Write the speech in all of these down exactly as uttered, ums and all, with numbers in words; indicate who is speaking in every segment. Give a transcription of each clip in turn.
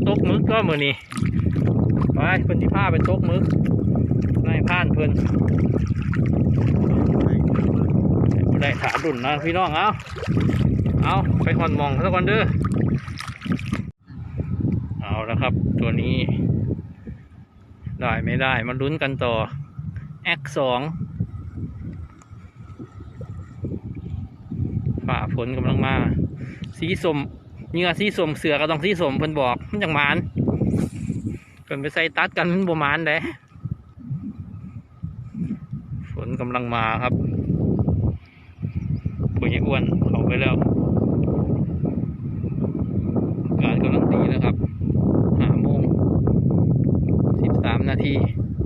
Speaker 1: ตกมึกก็มือนี่ไปเพิ่นที่ผ้าไปตกมึกนายพานเพิ่นได้ขาดุนนะพี่น้องเอาเอาไปหอนมองสักวันเด้อเอาแล้วครับตัวนี้ได้ไม่ได้มาลุ้นกันต่อแอคสองฝ่าฝนกำลังมาสีส้มเนื้อสีส้มเสือก็ต้องสีส้มเพิ่นบอกมันจังหมานเพิ่นไปใส่ตัดกันมันบ่หมานเด้ฝนกำลังมาครับปุ๋ยอ้วนเข้าไปแล้วการกำลังดีแล้วครับห้าโมงสิบสามนาที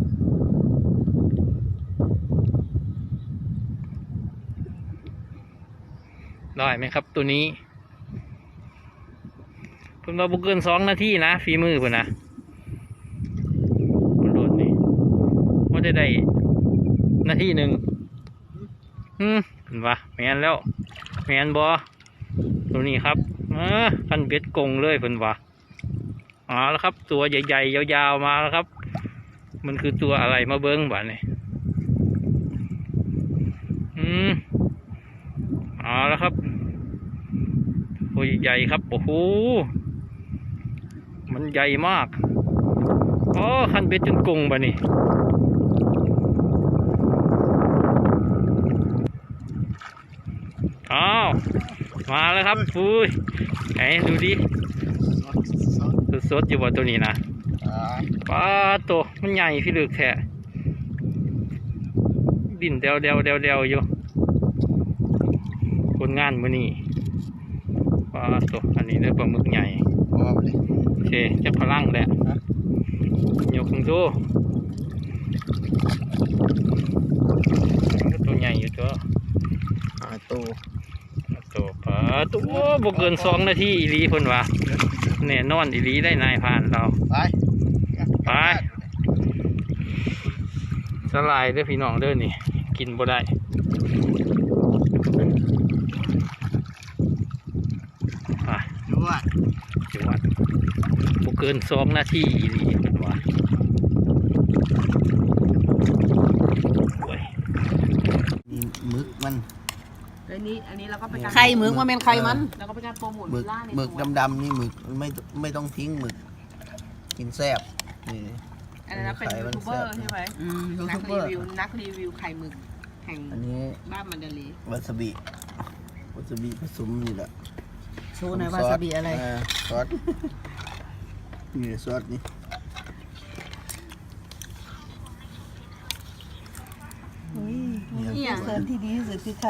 Speaker 1: ได้ไหมครับตัวนี้เพิ่นมาบุกเกินสองนาทีนะฝีมือเพิ่นนะมันโดดนี่ว่าได้ได้นาทีหนึ่งอืมเห็นปะแมนแล้วแมนบอตัวนี้ครับเออคันเบ็ดกงเลยเพิ่นวะอ๋อแล้วครับตัวใหญ่ๆยาวๆมาแล้วครับมันคือตัวอะไรมาเบิ้งบ้านี่อืมอ๋อแล้วครับตัวใหญ่ครับโอ้โหมันใหญ่มากอ๋อคันเบ็ดจนกงบ้านี่อ้าวมาแล้วครับปุ้ยไหนดูดิสดๆอยู่บนตัวนี้นะปลาตัวมันใหญ่พี่ลึกแท้ดินเดวเดวเดวเดวอยู่คนงานมื้อนี้ปลาตัวอันนี้ได้ปลาหมึกใหญ่โอเคจะพลังแหละยกขึ้นดูตัวใหญ่อยู่ตัวตัวตัวปลาตัวบกเกินสองนาทีอีลีคนวะแน่นอนอีลีได้นายผ่านเราไปไปสลายเด้อพี่น้องเด้อนี่กินบ่ได้ไปจวดจวดบกเกินสองนาทีอีลีคนวะ
Speaker 2: นี่มึกมัน
Speaker 3: อันนี้อันนี้เราก็เป็นการ
Speaker 4: ไข่หมึกว่าเป็นไข่มัน
Speaker 3: แล้วก็เป็นการโปรโมท
Speaker 2: หมึก
Speaker 3: ล่าใน
Speaker 2: หมึกดำๆนี่หมึกไม่ไม่ต้องทิ้งหมึกกินแซ่บนี่
Speaker 3: อันนั้นเป็นยูทูบเบอร์ใช่ไหม
Speaker 4: อืมยู
Speaker 3: นั
Speaker 4: ทู
Speaker 3: ก
Speaker 4: บเบ
Speaker 3: รี
Speaker 4: อร์
Speaker 3: วิวนักรีวิวไข่หมึกแห่ง
Speaker 2: อันนี้
Speaker 3: บ้านมันเดลี
Speaker 2: วาซาบิวาซาบิผสมนี่แหละ
Speaker 4: โชว์หน่อยวาซาบิอะไร
Speaker 2: าซอสนี่ซอสนี่
Speaker 4: เสริมที่ดีที่สุดคือใคร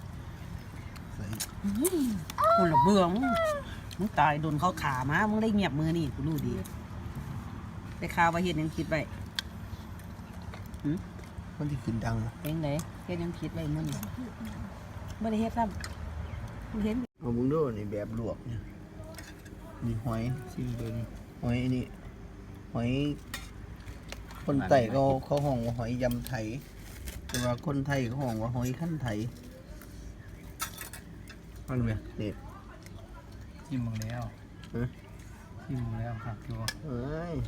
Speaker 4: คนละเบื่อมึงมึงตายโดนเขาขามามึงได้เงียบมือนี่กูรู้ดีได้ข่าวว่าเฮ็ดยังคิดไว้
Speaker 2: มันที่ขึ้นดัง
Speaker 4: เป็นไงเฮ็ดยังคิดไว้มื้อนี้บ่ได้เฮ็ดซ้ำมึงเห็น
Speaker 2: เอาบุ้งดูนี่แบบลวกเนี่ยมีหอยซิมเบอร์นี่หอยนี่หอยคนไต่เขาเขาห้องว่าหอยยำไทยแต่ว่าคนไทยเขาห้องว่าหอยขั้นไทยมันเว้ยเด็ด
Speaker 1: ชิมมึงแล้วชิมมึงแล้วครับตัว
Speaker 2: เอ้ย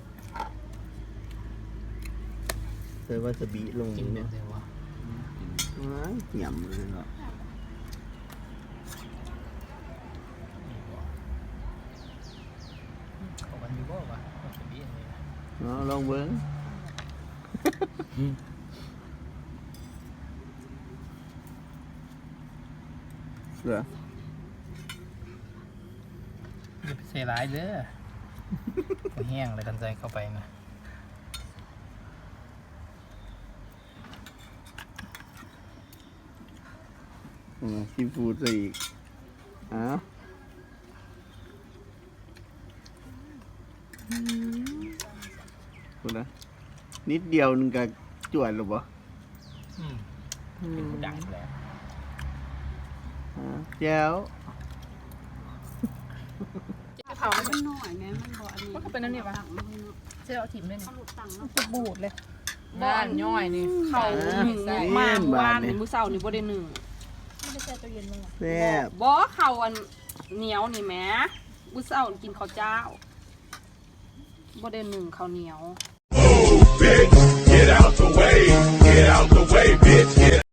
Speaker 2: ใส่วาซาบิลงเนี่ยเอ้ยยำเลยเนาะเอาลองเบิ้งเสือ
Speaker 1: อย่าไปใส่ร้ายเด้อแห้งเลยกันใจเข้าไปนะ
Speaker 2: ซีฟู้ดอีกอ้าวคุณนะนิดเดียวนึงก็จวดหรือเปล่า
Speaker 1: อืมเป็นผู้ดังแล้ว
Speaker 2: แจ้ว
Speaker 3: เขาเป็นหน่อยไงมันบอกอันนี้มันก็เป็นนั่นนี่ปะเจ้าถิ่มเลยนี่
Speaker 4: บูดเลย
Speaker 3: บ้านย่อยนี่เขาหนึ่งมากว่านนี่มื้อเช้านี่บ่ได้หนึ่ง
Speaker 2: แซ่บ
Speaker 3: บ่เขาอันเหนียวนี่แหมมื้อเช้ากินข้าวเจ้าบ่ได้หนึ่งข้าวเหนียว